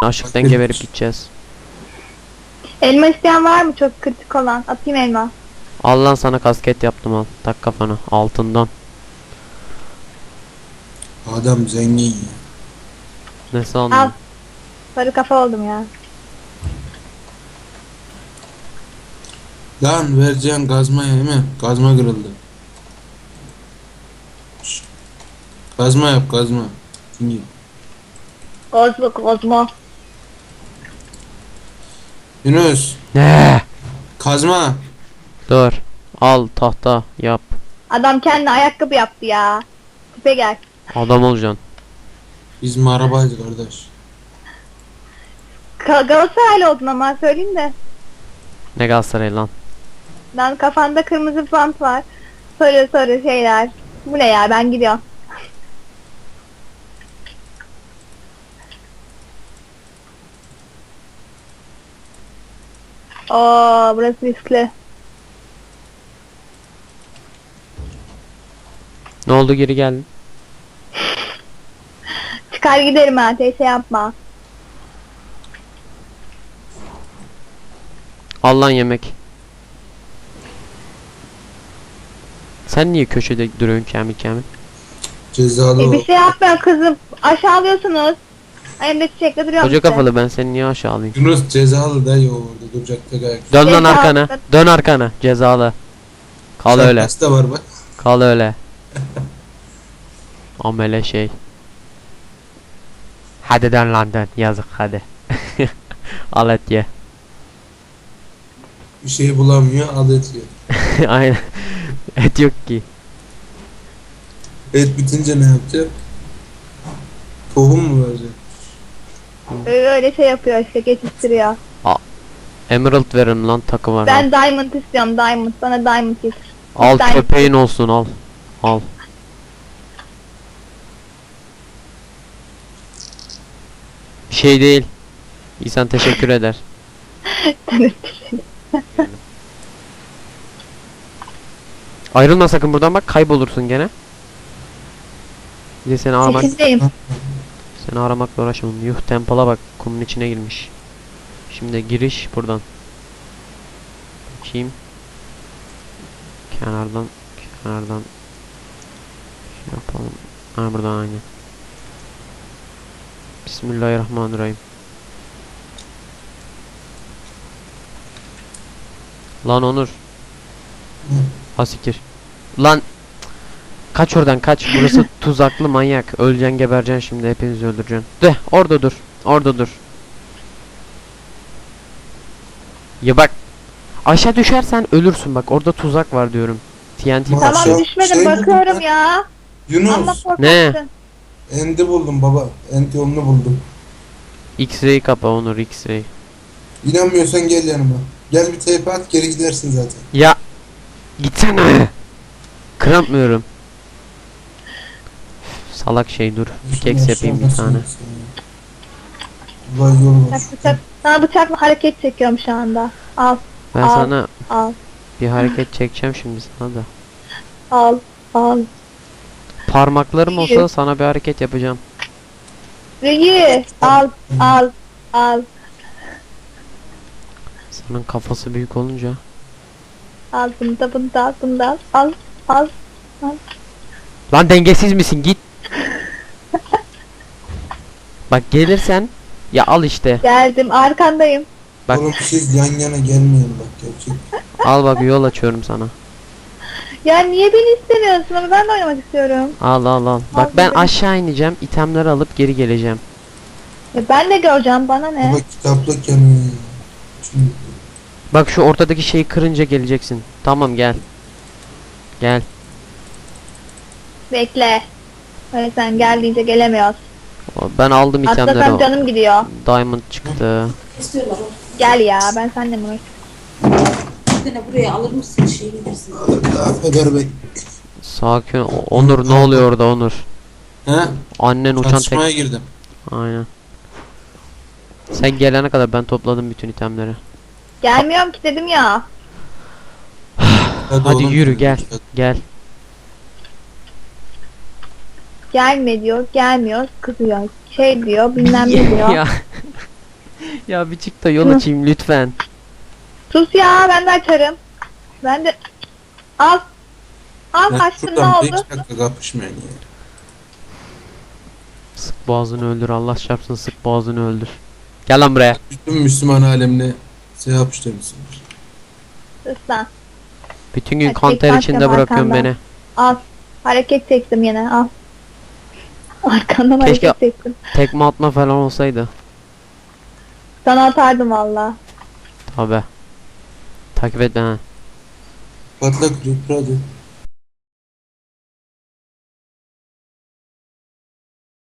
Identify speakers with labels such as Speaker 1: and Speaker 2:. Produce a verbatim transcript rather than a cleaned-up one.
Speaker 1: Açlıktan geberip gideceğiz.
Speaker 2: Elma isteyen var mı çok kritik olan? Atayım elma.
Speaker 1: Al lan sana kasket yaptım al. Tak kafana altından.
Speaker 3: Adam zengin ya.
Speaker 1: Ne
Speaker 2: Al.
Speaker 1: sandın?
Speaker 2: Sarı kafa oldum ya.
Speaker 3: Lan vereceğin gazmaya değil mi? Gazma kırıldı. Şşt. Gazma yap gazma. Şimdi.
Speaker 2: Kozmo kozmo.
Speaker 3: Yunus.
Speaker 1: Ne?
Speaker 3: Kazma.
Speaker 1: Dur. Al tahta yap.
Speaker 2: Adam kendi ayakkabı yaptı ya. Tipe gel.
Speaker 1: Adam olacaksın.
Speaker 3: Biz mi arabaydı kardeş?
Speaker 2: Ka Galatasaraylı oldun ama söyleyeyim de.
Speaker 1: Ne Galatasaray lan?
Speaker 2: Lan kafanda kırmızı bant var. Sarı sarı şeyler. Bu ne ya, ben gidiyorum. Oo, burası riskli.
Speaker 1: Ne oldu geri geldin?
Speaker 2: Çıkar giderim ha, teyze yapma.
Speaker 1: Al lan yemek. Sen niye köşede duruyorsun kemik kemik?
Speaker 3: Cezalı
Speaker 2: E,
Speaker 3: o.
Speaker 2: bir şey yapma kızım. Aşağılıyorsunuz. Hem de çiçekle duruyorum
Speaker 1: Koca
Speaker 2: işte.
Speaker 1: kafalı ben seni niye aşağı alayım?
Speaker 3: Yunus cezalı da yok orada duracak tek ayak.
Speaker 1: Dön lan
Speaker 2: Cezalı.
Speaker 1: arkana. Dön arkana. Cezalı. Kal öyle.
Speaker 3: Şapkası da var bak.
Speaker 1: Kal öyle. Amele şey. Hadi dön lan dön. Yazık hadi. Al et ye.
Speaker 3: Bir şey bulamıyor adet yiyor.
Speaker 1: Aynen. Et yok ki.
Speaker 3: Et bitince ne yapacak? Tohum mu verecek?
Speaker 2: Öyle şey yapıyor işte, geçiştiriyor.
Speaker 1: Emerald verin lan takım var.
Speaker 2: Ben diamond istiyorum, diamond. Bana diamond getir.
Speaker 1: Al
Speaker 2: diamond.
Speaker 1: köpeğin olsun al. Al. Bir şey değil. İnsan teşekkür eder. Ayrılma sakın buradan bak kaybolursun gene. Bir de seni aramak
Speaker 2: Sekizdeyim.
Speaker 1: seni aramakla uğraşamam. Yuh temple'a bak kumun içine girmiş. Şimdi giriş buradan. Bakayım. Kenardan kenardan şey yapalım. Ha buradan aynı. Bismillahirrahmanirrahim. Lan Onur. Asikir. Lan kaç oradan kaç. Burası tuzaklı manyak. Öleceksin gebereceksin şimdi hepinizi öldüreceksin. De orada dur. Orada dur. Ya bak. Aşağı düşersen ölürsün bak. Orada tuzak var diyorum. T N T.
Speaker 3: Ma-
Speaker 2: Tamam
Speaker 3: Aşağı-
Speaker 2: düşmedim,
Speaker 3: şey
Speaker 2: bakıyorum
Speaker 3: buldum ben.
Speaker 2: ya. Ama
Speaker 3: Yunus.
Speaker 2: korkaksın.
Speaker 3: Endi buldum baba. End yolunu buldum.
Speaker 1: X-ray kapa Onur X-ray.
Speaker 3: İnanmıyorsan gel yanıma. Gel bir teype at geri gidersin zaten.
Speaker 1: Ya gitsene. Kıramıyorum. Salak şey dur. Keks yapayım bir tane.
Speaker 3: Vay yol var.
Speaker 2: Bıçak, bıçak. Sana bıçakla hareket çekiyorum şu anda. Al,
Speaker 1: Ben
Speaker 2: Al.
Speaker 1: sana
Speaker 2: al,
Speaker 1: bir hareket çekeceğim şimdi sana da.
Speaker 2: al, al.
Speaker 1: Parmaklarım olsa
Speaker 2: İyi.
Speaker 1: sana bir hareket yapacağım.
Speaker 2: İyi, al, al, al,
Speaker 1: Senin kafası büyük olunca.
Speaker 2: al. Bunu da, bunu da, al, bunu da al, al, al.
Speaker 1: Lan dengesiz misin git. Bak gelirsen ya al işte.
Speaker 2: Geldim, arkandayım.
Speaker 1: Bak.
Speaker 3: Oğlum siz yan yana gelmeyin bak gerçek.
Speaker 1: Al bak yol açıyorum sana.
Speaker 2: Ya niye beni istemiyorsun ama ben de oynamak istiyorum.
Speaker 1: Al al al. Bak
Speaker 2: Al
Speaker 1: ben
Speaker 2: dedim.
Speaker 1: aşağı ineceğim. İtemleri alıp geri geleceğim.
Speaker 2: Ya ben de göreceğim, bana ne?
Speaker 3: Baba kitaplık yanıyor ya. Şimdi
Speaker 1: Bak şu ortadaki şeyi kırınca geleceksin. Tamam gel. Gel.
Speaker 2: Bekle. Öyle sen geldiğince gelemiyoruz.
Speaker 1: Ben aldım
Speaker 2: Atlasam
Speaker 1: itemleri.
Speaker 2: canım gidiyor.
Speaker 1: Diamond çıktı.
Speaker 4: İstiyorlar o.
Speaker 2: Gel ya, ben seninle mi uğraşayım?
Speaker 4: Bir tane buraya alır mısın şeyini versin.
Speaker 3: Affeder bey.
Speaker 1: Sakin ol. Onur ne oluyor orada Onur?
Speaker 3: He?
Speaker 1: Annen uçan tek.
Speaker 3: Çatışmaya girdim.
Speaker 1: Aynen. Sen gelene kadar ben topladım bütün itemleri.
Speaker 2: Gelmiyorum ki dedim ya.
Speaker 1: Hadi
Speaker 3: oğlum,
Speaker 1: yürü gel. Gel.
Speaker 2: Gelme diyor, gelmiyor, kızıyor. Şey diyor, bilmem ne diyor.
Speaker 1: Ya. Ya bir çık da yol açayım lütfen.
Speaker 2: Sus ya, ben de açarım. Ben de... Al. Al
Speaker 3: Ben
Speaker 2: kaçtım, ne
Speaker 3: şuradan beş
Speaker 2: oldu?
Speaker 3: dakika kapışmayın ya.
Speaker 1: Sık boğazını öldür, Allah çarpsın, sık boğazını öldür. Gel lan buraya.
Speaker 3: Bütün Müslüman alemine şey yapıştırmışsınız.
Speaker 2: Sus lan.
Speaker 1: Bütün gün
Speaker 2: Hadi
Speaker 1: kan
Speaker 2: tek
Speaker 1: ter
Speaker 2: başla
Speaker 1: içinde bırakıyorsun
Speaker 2: arkandan.
Speaker 1: beni.
Speaker 2: Al. Hareket çektim yine, al. Arkandan
Speaker 1: Keşke-
Speaker 2: hareket çektim.
Speaker 1: Tekme atma falan olsaydı.
Speaker 2: Sana atardım valla.
Speaker 1: Tabi. Takip et beni.
Speaker 3: Patla Creeper hadi.